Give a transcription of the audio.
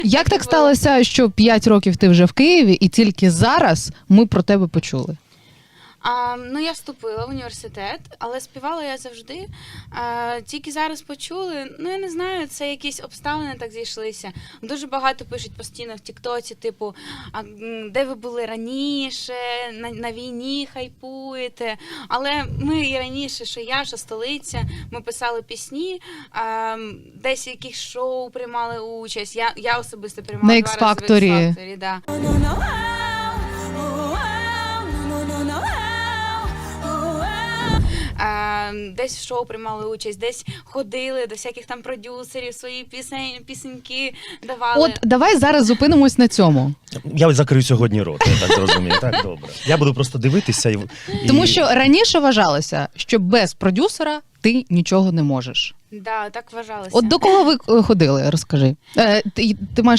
Як так сталося, що 5 років ти вже в Києві і тільки зараз ми про тебе почули? Ну, я вступила в університет, але співала я завжди. Тільки зараз почули, я не знаю, це якісь обставини так зійшлися. Дуже багато пишуть постійно в Тіктоці, типу, де ви були раніше, на війні хайпуєте. Але ми і раніше, що я, що столиця, ми писали пісні, десь в якихось шоу приймали участь. Я особисто приймала На 2 рази в X-Factor. X-Factor, да. Десь в шоу приймали участь, десь ходили до всяких там продюсерів, свої пісеньки давали. От давай зараз зупинимось на цьому. Я ось закрию сьогодні рот, я так зрозумів. Так, добре. Я буду просто дивитися і... Тому що раніше вважалося, що без продюсера ти нічого не можеш. Да, так вважалося. От до кого ви ходили, розкажи. Ти маєш